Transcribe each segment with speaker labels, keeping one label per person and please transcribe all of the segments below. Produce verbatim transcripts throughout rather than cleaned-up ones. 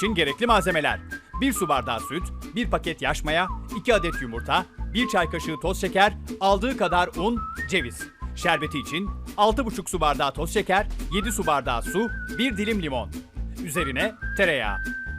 Speaker 1: için gerekli malzemeler: bir su bardağı süt, bir paket yaş maya, iki adet yumurta, bir çay kaşığı toz şeker, aldığı kadar un, ceviz. Şerbeti için altı buçuk su bardağı toz şeker, yedi su bardağı su, bir dilim limon. Üzerine tereyağı.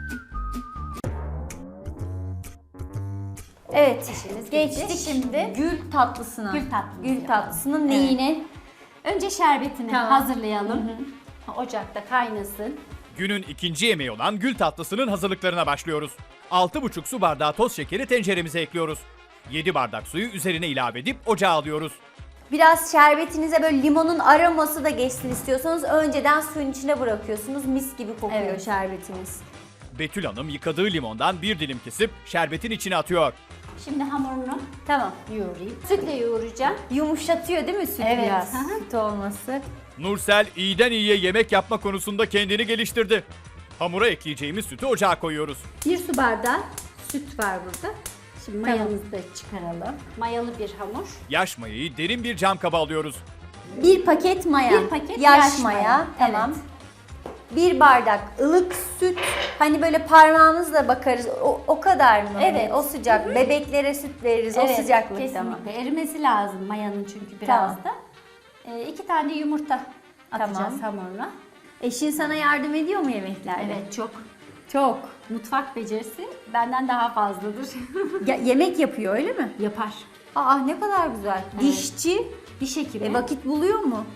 Speaker 2: Evet,
Speaker 3: İşimiz
Speaker 2: geçtik
Speaker 3: bitti. Şimdi
Speaker 2: gül tatlısına.
Speaker 3: Gül tatlımızı
Speaker 2: Gül
Speaker 3: yapalım.
Speaker 2: tatlısının
Speaker 3: Evet.
Speaker 2: neyine?
Speaker 3: önce şerbetini
Speaker 2: Tamam.
Speaker 3: hazırlayalım. Ocakta kaynasın.
Speaker 1: Günün ikinci yemeği olan gül tatlısının hazırlıklarına başlıyoruz. altı buçuk su bardağı toz şekeri tenceremize ekliyoruz. yedi bardak suyu üzerine ilave edip ocağa alıyoruz.
Speaker 2: Biraz şerbetinize böyle limonun aroması da geçsin istiyorsanız önceden suyun içine bırakıyorsunuz. Mis gibi kokuyor
Speaker 3: Evet.
Speaker 2: şerbetiniz.
Speaker 1: Betül Hanım yıkadığı limondan bir dilim kesip şerbetin içine atıyor.
Speaker 3: Şimdi hamurunu
Speaker 2: Tamam.
Speaker 3: yoğurayım. Sütle yoğuracağım.
Speaker 2: Yumuşatıyor değil mi süt
Speaker 3: Evet.
Speaker 2: biraz?
Speaker 3: Hı hı.
Speaker 2: Süt olması.
Speaker 1: Nursel iyiden iyiye yemek yapma konusunda kendini geliştirdi. Hamura ekleyeceğimiz sütü ocağa koyuyoruz.
Speaker 3: Bir su bardağı süt var burada. Şimdi
Speaker 2: Tamam.
Speaker 3: mayamızı da çıkaralım. Mayalı bir hamur.
Speaker 1: Yaş mayayı derin bir cam kaba alıyoruz.
Speaker 2: Bir paket maya.
Speaker 3: Bir paket
Speaker 2: yaş,
Speaker 3: yaş
Speaker 2: maya.
Speaker 3: maya.
Speaker 2: Tamam.
Speaker 3: Evet.
Speaker 2: Bir bardak ılık süt. Hani böyle parmağımızla bakarız. O, o kadar mı? Hani
Speaker 3: Evet.
Speaker 2: o sıcak. Bebeklere süt veririz. o sıcaklıkta
Speaker 3: kesinlikle.
Speaker 2: mı?
Speaker 3: Erimesi lazım mayanın çünkü biraz
Speaker 2: Tamam.
Speaker 3: da. Ee, iki tane yumurta atacağız
Speaker 2: Tamam.
Speaker 3: hamuruna.
Speaker 2: Eşin sana yardım ediyor mu yemeklerde?
Speaker 3: Evet, çok.
Speaker 2: Çok.
Speaker 3: Mutfak becerisi benden daha fazladır.
Speaker 2: Ya, yemek yapıyor öyle mi?
Speaker 3: Yapar.
Speaker 2: Aa ne kadar güzel. Dişçi.
Speaker 3: Diş hekimi.
Speaker 2: E, vakit buluyor mu?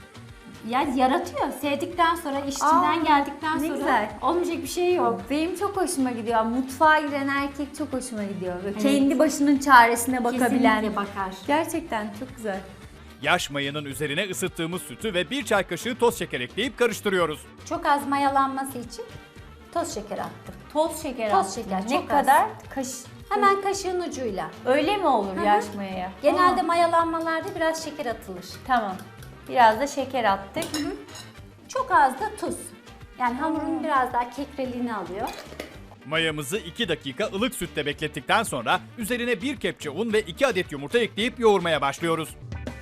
Speaker 3: Yani yaratıyor. Sevdikten sonra, işçiden
Speaker 2: Aa,
Speaker 3: geldikten
Speaker 2: ne
Speaker 3: sonra
Speaker 2: güzel.
Speaker 3: olmayacak bir şey yok.
Speaker 2: Benim çok hoşuma gidiyor. Mutfağa giren erkek çok hoşuma gidiyor. Böyle
Speaker 3: Evet.
Speaker 2: kendi başının çaresine bakabilen.
Speaker 3: Kesinlikle bakar.
Speaker 2: Gerçekten çok güzel.
Speaker 1: Yaş mayanın üzerine ısıttığımız sütü ve bir çay kaşığı toz şeker ekleyip karıştırıyoruz.
Speaker 3: Çok az mayalanması için toz şeker attım.
Speaker 2: Toz şeker
Speaker 3: Toz
Speaker 2: attın.
Speaker 3: şeker,
Speaker 2: Ne
Speaker 3: çok az.
Speaker 2: kadar? Kaş.
Speaker 3: Hemen kaşığın ucuyla.
Speaker 2: Öyle mi olur
Speaker 3: hı.
Speaker 2: yaş mayaya?
Speaker 3: Genelde
Speaker 2: Aa,
Speaker 3: mayalanmalarda biraz şeker atılır.
Speaker 2: tamam. Biraz da şeker attık.
Speaker 3: Çok az da tuz. Yani hamurun biraz daha kekreliğini alıyor.
Speaker 1: Mayamızı iki dakika ılık sütle beklettikten sonra üzerine bir kepçe un ve iki adet yumurta ekleyip yoğurmaya başlıyoruz.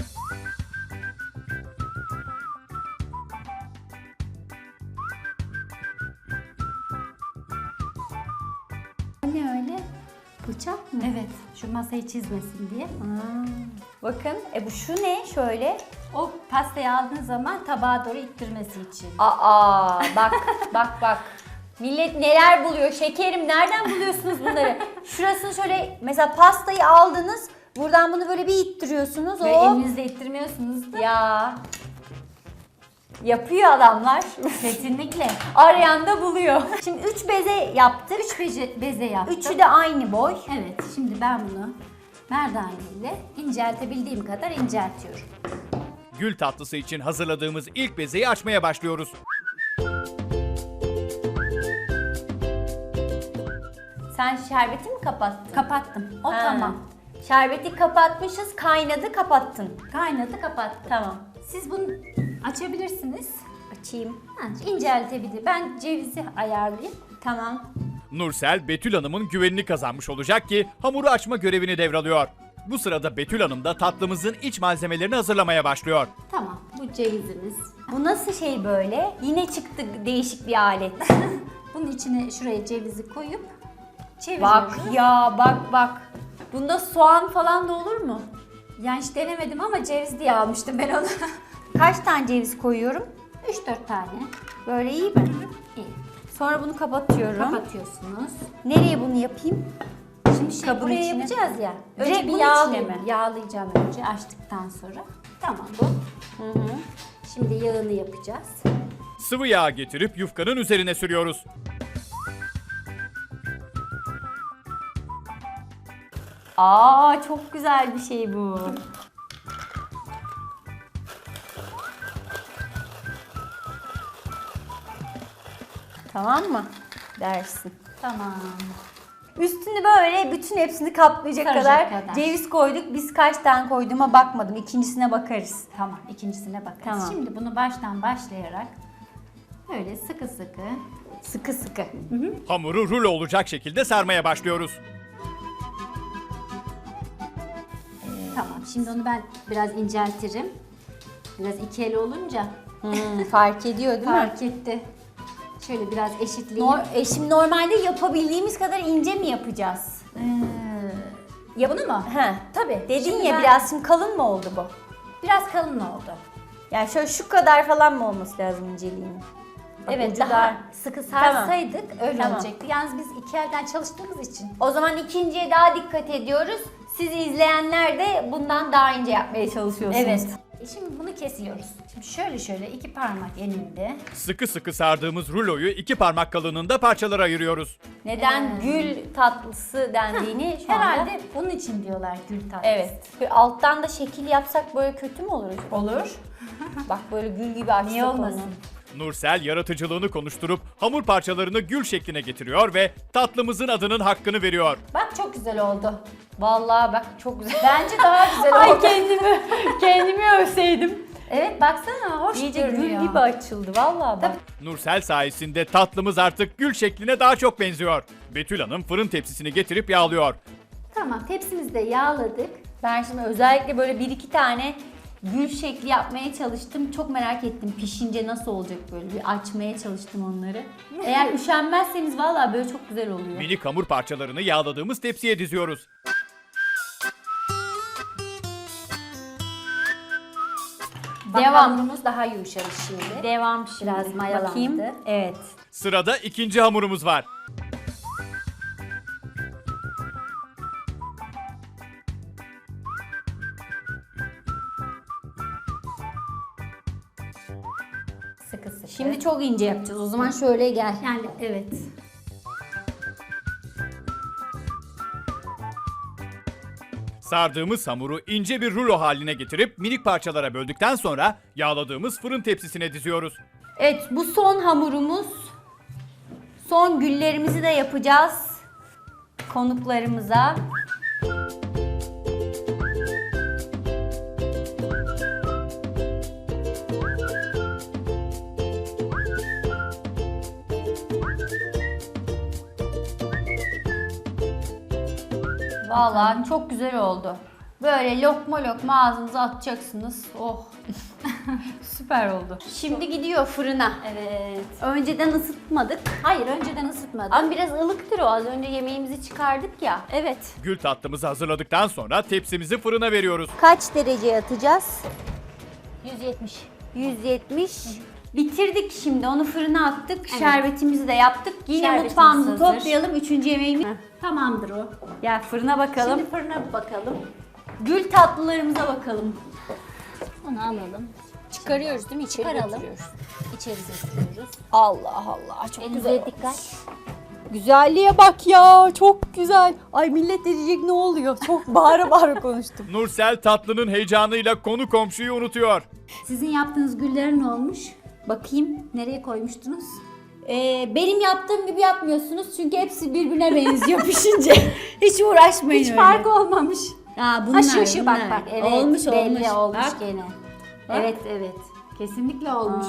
Speaker 2: Ne öyle? Bıçak mı?
Speaker 3: Evet, şu masayı çizmesin diye.
Speaker 2: Aa, bakın. E bu şu ne şöyle?
Speaker 3: O pastayı aldığın zaman tabağa doğru ittirmesi için.
Speaker 2: Aa bak bak bak. Millet neler buluyor? Şekerim nereden buluyorsunuz bunları? Şurasını şöyle mesela pastayı aldınız. Buradan bunu böyle bir ittiriyorsunuz.
Speaker 3: Ve
Speaker 2: O
Speaker 3: elinizle ittirmiyorsunuz da.
Speaker 2: ya yapıyor adamlar.
Speaker 3: Kesinlikle.
Speaker 2: Arayan da buluyor. Şimdi üç beze yaptık.
Speaker 3: Üç beze, beze yaptım.
Speaker 2: Üçü de aynı boy.
Speaker 3: Evet, şimdi ben bunu merdane ile inceltebildiğim kadar inceltiyorum.
Speaker 1: Gül tatlısı için hazırladığımız ilk bezeyi açmaya başlıyoruz.
Speaker 2: Sen şerbeti mi kapattın?
Speaker 3: Kapattım. O
Speaker 2: Ha.
Speaker 3: tamam.
Speaker 2: Şerbeti kapatmışız, kaynadı, kapattın.
Speaker 3: Kaynadı, kapattım.
Speaker 2: Tamam.
Speaker 3: Siz bunu açabilirsiniz.
Speaker 2: Açayım.
Speaker 3: Ha, inceltebilir. Ben cevizi ayarlayayım.
Speaker 2: Tamam.
Speaker 1: Nursel, Betül Hanım'ın güvenini kazanmış olacak ki hamuru açma görevini devralıyor. Bu sırada Betül Hanım da tatlımızın iç malzemelerini hazırlamaya başlıyor.
Speaker 3: Tamam, bu cevizimiz.
Speaker 2: Bu nasıl şey böyle? Yine çıktı değişik bir alet.
Speaker 3: Bunun içine şuraya cevizi koyup çeviriyoruz.
Speaker 2: Bak ya bak bak. Bunda soğan falan da olur mu?
Speaker 3: Yani hiç denemedim ama ceviz diye almıştım ben onu.
Speaker 2: Kaç tane ceviz koyuyorum?
Speaker 3: üç dört tane.
Speaker 2: Böyle iyi mi?
Speaker 3: İyi.
Speaker 2: Sonra bunu kapatıyorum.
Speaker 3: Kapatıyorsunuz.
Speaker 2: Nereye bunu yapayım?
Speaker 3: Şimdi şey,
Speaker 2: Kabın
Speaker 3: buraya
Speaker 2: içine.
Speaker 3: yapacağız ya.
Speaker 2: Direkt
Speaker 3: Önce bir
Speaker 2: bunun
Speaker 3: yağlayayım.
Speaker 2: içine mi?
Speaker 3: Yağlayacağım önce açtıktan sonra. Tamam bu.
Speaker 2: Hı hı.
Speaker 3: Şimdi yağını yapacağız.
Speaker 1: Sıvı yağ getirip yufkanın üzerine sürüyoruz.
Speaker 2: Aa çok güzel bir şey bu. Tamam mı? Dersin.
Speaker 3: Tamam.
Speaker 2: Üstünü böyle bütün hepsini kaplayacak
Speaker 3: Saracak
Speaker 2: kadar,
Speaker 3: kadar.
Speaker 2: ceviz koyduk. Biz kaç tane koyduğuma bakmadım. İkincisine bakarız.
Speaker 3: Tamam, ikincisine bakarız.
Speaker 2: Tamam.
Speaker 3: Şimdi bunu baştan başlayarak böyle sıkı sıkı.
Speaker 2: Sıkı sıkı.
Speaker 1: Hamuru rulo olacak şekilde sarmaya başlıyoruz.
Speaker 3: Tamam, şimdi onu ben biraz inceltirim. Biraz iki el olunca
Speaker 2: Hmm, fark ediyor değil mi?
Speaker 3: fark etti. Şöyle biraz eşitleyeyim.
Speaker 2: Nor e şimdi normalde yapabildiğimiz kadar ince mi yapacağız?
Speaker 3: Ya bunu mu?
Speaker 2: He.
Speaker 3: Tabii.
Speaker 2: Dedin
Speaker 3: Şimdi
Speaker 2: ya
Speaker 3: ben-
Speaker 2: biraz şimdi kalın mı oldu bu?
Speaker 3: Biraz kalın oldu.
Speaker 2: Yani şöyle şu kadar falan mı olması lazım inceliğinin? Bak,
Speaker 3: Evet,
Speaker 2: ucu
Speaker 3: daha
Speaker 2: dar.
Speaker 3: sıkı sarsaydık öyle
Speaker 2: Tamam.
Speaker 3: olacaktı. Yalnız biz iki elden çalıştığımız için.
Speaker 2: O zaman ikinciye daha dikkat ediyoruz. Siz izleyenler de bundan daha ince yapmaya çalışıyorsunuz.
Speaker 3: Evet. E Şimdi bunu kesiyoruz. Şimdi şöyle şöyle iki parmak elimde.
Speaker 1: Sıkı sıkı sardığımız ruloyu iki parmak kalınlığında parçalara ayırıyoruz.
Speaker 2: Neden
Speaker 3: Ee.
Speaker 2: gül tatlısı dendiğini şu anda...
Speaker 3: Herhalde bunun için diyorlar gül tatlısı.
Speaker 2: Evet. Bir alttan da şekil yapsak böyle kötü mü olur acaba?
Speaker 3: Olur.
Speaker 2: Bak böyle gül gibi açtık
Speaker 3: Niye olmasın?
Speaker 2: onu.
Speaker 1: Nursel yaratıcılığını konuşturup hamur parçalarını gül şekline getiriyor ve tatlımızın adının hakkını veriyor.
Speaker 3: Bak çok güzel oldu.
Speaker 2: Vallahi bak çok güzel.
Speaker 3: Bence daha güzel
Speaker 2: Ay
Speaker 3: oldu.
Speaker 2: kendimi, kendimi övseydim.
Speaker 3: Evet baksana hoş
Speaker 2: İyice
Speaker 3: görünüyor.
Speaker 2: gül gibi açıldı vallahi bak.
Speaker 1: Nursel sayesinde tatlımız artık gül şekline daha çok benziyor. Betül Hanım fırın tepsisini getirip yağlıyor.
Speaker 3: Tamam tepsimizi de yağladık.
Speaker 2: Ben şimdi özellikle böyle bir iki tane gül şekli yapmaya çalıştım. Çok merak ettim pişince nasıl olacak böyle bir açmaya çalıştım onları. Eğer üşenmezseniz vallahi böyle çok güzel oluyor.
Speaker 1: Minik hamur parçalarını yağladığımız tepsiye diziyoruz.
Speaker 3: Bak,
Speaker 2: Devam.
Speaker 3: hamurumuz daha yumuşamış şimdi.
Speaker 2: Devam şimdi.
Speaker 3: Biraz mayalandı.
Speaker 2: Bakayım. Evet.
Speaker 1: Sırada ikinci hamurumuz var.
Speaker 3: Sıkı sıkı.
Speaker 2: Şimdi çok ince yapacağız. O zaman şöyle gel.
Speaker 3: yani evet.
Speaker 1: Sardığımız hamuru ince bir rulo haline getirip minik parçalara böldükten sonra yağladığımız fırın tepsisine diziyoruz.
Speaker 2: Evet bu son hamurumuz. Son güllerimizi de yapacağız konuklarımıza. Vallahi çok güzel oldu. Böyle lokma lokma ağzınıza atacaksınız. Oh. Süper oldu. Şimdi gidiyor fırına.
Speaker 3: Evet.
Speaker 2: Önceden ısıtmadık.
Speaker 3: Hayır önceden ısıtmadım.
Speaker 2: Ama biraz ılıktır o. Az önce yemeğimizi çıkardık ya. Evet.
Speaker 1: Gül tatlımızı hazırladıktan sonra tepsimizi fırına veriyoruz.
Speaker 2: Kaç dereceye atacağız?
Speaker 3: yüz yetmiş.
Speaker 2: yüz yetmiş. Bitirdik şimdi. Onu fırına attık. Şerbetimizi de yaptık. Yine
Speaker 3: Şerbetimiz
Speaker 2: mutfağımızı
Speaker 3: hazır.
Speaker 2: toplayalım. Üçüncü yemeğimiz.
Speaker 3: Tamamdır o.
Speaker 2: Ya fırına bakalım.
Speaker 3: Şimdi fırına bir bakalım.
Speaker 2: Gül tatlılarımıza bakalım.
Speaker 3: Onu alalım.
Speaker 2: Çıkarıyoruz değil mi? İçeri
Speaker 3: Çıkaralım.
Speaker 2: götürüyoruz.
Speaker 3: İçeri götürüyoruz.
Speaker 2: Allah Allah. Çok
Speaker 3: Elinize
Speaker 2: güzel.
Speaker 3: dikkat.
Speaker 2: Güzelliğe bak ya. Çok güzel. Ay millet de diyecek ne oluyor? Çok bağıra bağıra konuştum.
Speaker 1: Nursel tatlının heyecanıyla konu komşuyu unutuyor.
Speaker 3: Sizin yaptığınız güller ne olmuş?
Speaker 2: Bakayım.
Speaker 3: Nereye koymuştunuz?
Speaker 2: Ee, benim yaptığım gibi yapmıyorsunuz çünkü hepsi birbirine benziyor pişince. Hiç uğraşmayın
Speaker 3: Hiç
Speaker 2: öyle.
Speaker 3: farkı olmamış.
Speaker 2: Ha, bunlar,
Speaker 3: Ha şu şu bak
Speaker 2: bunlar.
Speaker 3: bak. Evet.
Speaker 2: olmuş
Speaker 3: belli
Speaker 2: olmuş.
Speaker 3: olmuş
Speaker 2: Bak.
Speaker 3: gene. Evet evet. Kesinlikle olmuş.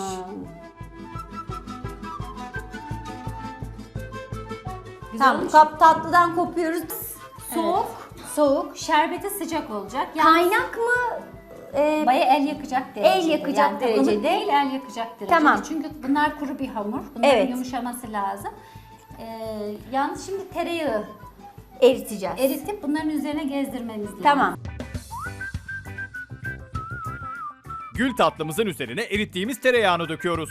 Speaker 3: Güzel
Speaker 2: Tamam
Speaker 3: olmuş.
Speaker 2: kap tatlıdan kopuyoruz. Soğuk.
Speaker 3: Soğuk. Şerbeti sıcak olacak. Yani
Speaker 2: Kaynak mı? Ee,
Speaker 3: baya el yakacak derecede.
Speaker 2: El yakacak
Speaker 3: yani ılık
Speaker 2: derecede.
Speaker 3: değil el yakacak derecede.
Speaker 2: Tamam.
Speaker 3: Çünkü bunlar kuru bir hamur. Bunların
Speaker 2: Evet.
Speaker 3: yumuşaması lazım. Ee, yalnız şimdi tereyağı
Speaker 2: eriteceğiz.
Speaker 3: eritip bunların üzerine gezdirmemiz lazım.
Speaker 2: Tamam.
Speaker 1: Gül tatlımızın üzerine erittiğimiz tereyağını döküyoruz.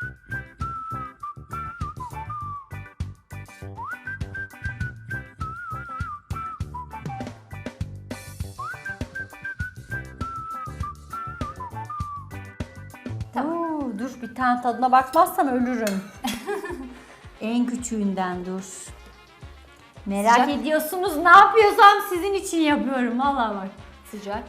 Speaker 2: Oo, dur bir tane tadına bakmazsam ölürüm. En küçüğünden dur. Merak
Speaker 3: Sıcak.
Speaker 2: ediyorsunuz ne yapıyorsam sizin için yapıyorum vallahi bak.
Speaker 3: Sıcak.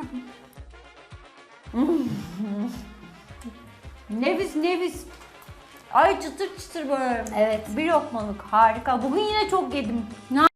Speaker 2: Nefis nefis. Ay çıtır çıtır böyle.
Speaker 3: Evet.
Speaker 2: Bir lokmalık harika. Bugün yine çok yedim. Ne